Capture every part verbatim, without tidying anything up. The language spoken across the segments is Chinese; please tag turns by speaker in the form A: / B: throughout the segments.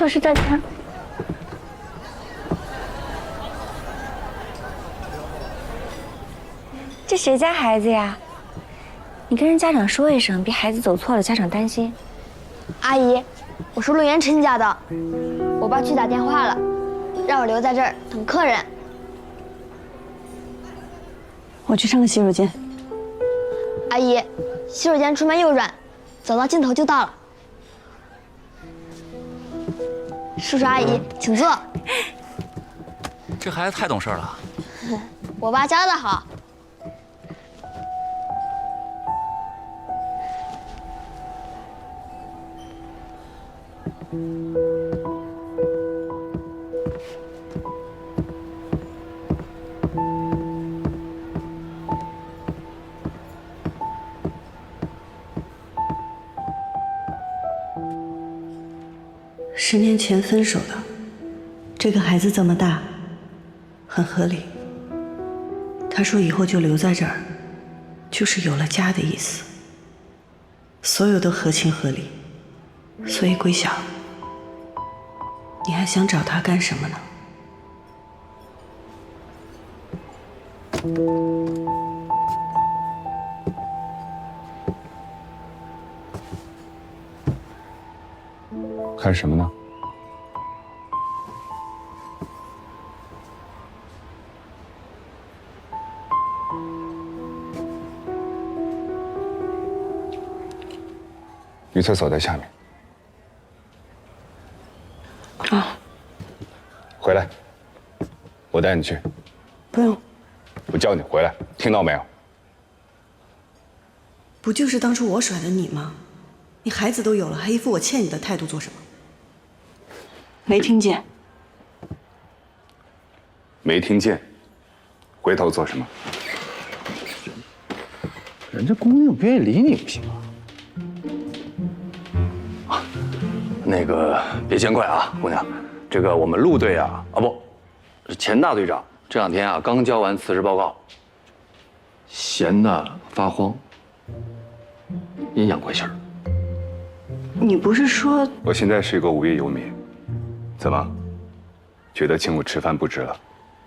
A: 就是这家。这谁家孩子呀？你跟人家长说一声，别孩子走错了，家长担心。
B: 阿姨，我是陆元琛家的，我爸去打电话了，让我留在这儿等客人。
C: 我去上个洗手间。
B: 阿姨，洗手间出门右转，走到尽头就到了。叔叔阿姨，请坐。
D: 这孩子太懂事了。
B: 我爸教的好。
C: 十年前分手的，这个孩子这么大，很合理。他说以后就留在这儿，就是有了家的意思。所有都合情合理，所以桂晓，你还想找他干什么呢？
E: 看什么呢？女厕所在下面。
C: 啊，
E: 回来，我带你去。
C: 不用。
E: 我叫你回来，听到没有？
C: 不就是当初我甩的你吗？你孩子都有了，还一副我欠你的态度做什么？没听见？
E: 没听见。回头做什么？
F: 人家姑娘不愿意理你不行啊。
D: 那个别见怪啊，姑娘，这个我们陆队啊，啊不，是钱大队长这两天啊刚交完辞职报告，闲得发慌，阴阳怪气儿。
C: 你不是说
E: 我现在是一个无业游民，怎么，觉得请我吃饭不值了？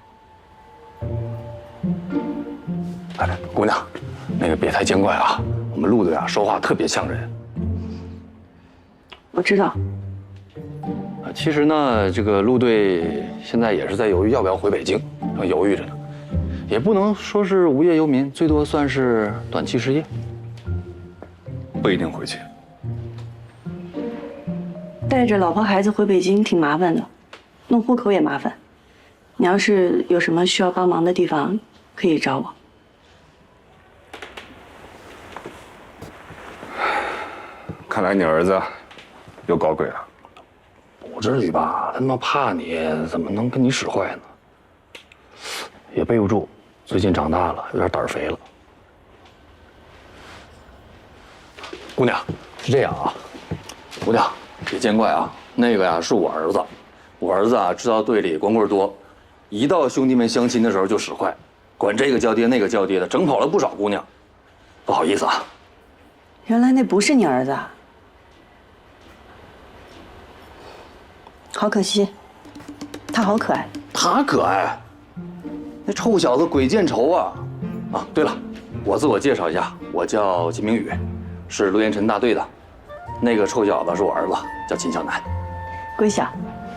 D: 哎，姑娘，那个别太见怪啊，我们陆队啊说话特别呛人。
C: 我知道。
D: 啊，其实呢，这个陆队现在也是在犹豫要不要回北京，正犹豫着呢，也不能说是无业游民，最多算是短期失业。
E: 不一定回去。
C: 带着老婆孩子回北京挺麻烦的，弄户口也麻烦。你要是有什么需要帮忙的地方，可以找我。
E: 看来你儿子又搞鬼了。
D: 不至于吧？他他妈怕你，怎么能跟你使坏呢？也背不住，最近长大了，有点胆肥了。姑娘，是这样啊，姑娘别见怪啊，那个呀是我儿子，我儿子啊知道队里光棍多，一到兄弟们相亲的时候就使坏，管这个叫爹那个叫爹的，整跑了不少姑娘，不好意思啊。
C: 原来那不是你儿子啊，好可惜，他好可爱。
D: 他可爱，那臭小子鬼见愁啊！啊，对了，我自我介绍一下，我叫金明宇，是陆延辰大队的。那个臭小子是我儿子，叫秦向南。
C: 桂晓，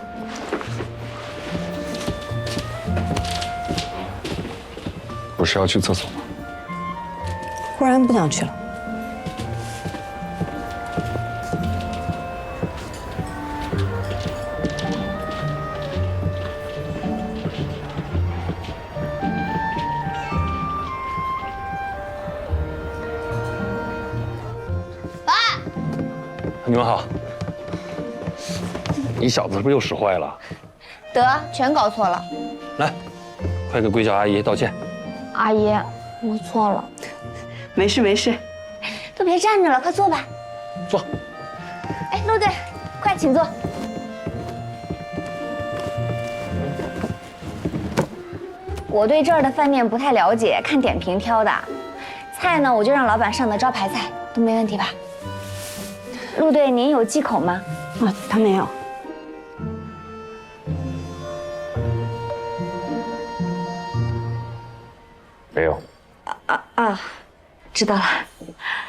E: 不是要去厕所吗？
C: 忽然不想去了。
D: 你们好，你小子是不是又使坏了？
B: 得，全搞错了。
D: 来，快给桂晓阿姨道歉。
B: 阿姨，我错了。
C: 没事没事，
A: 都别站着了，快坐吧。
D: 坐。
A: 哎，陆队，快请坐。我对这儿的饭店不太了解，看点评挑的。菜呢，我就让老板上的招牌菜，都没问题吧？陆队，您有忌口吗？
C: 啊，他没有。
E: 没有。
A: 啊啊，知道了。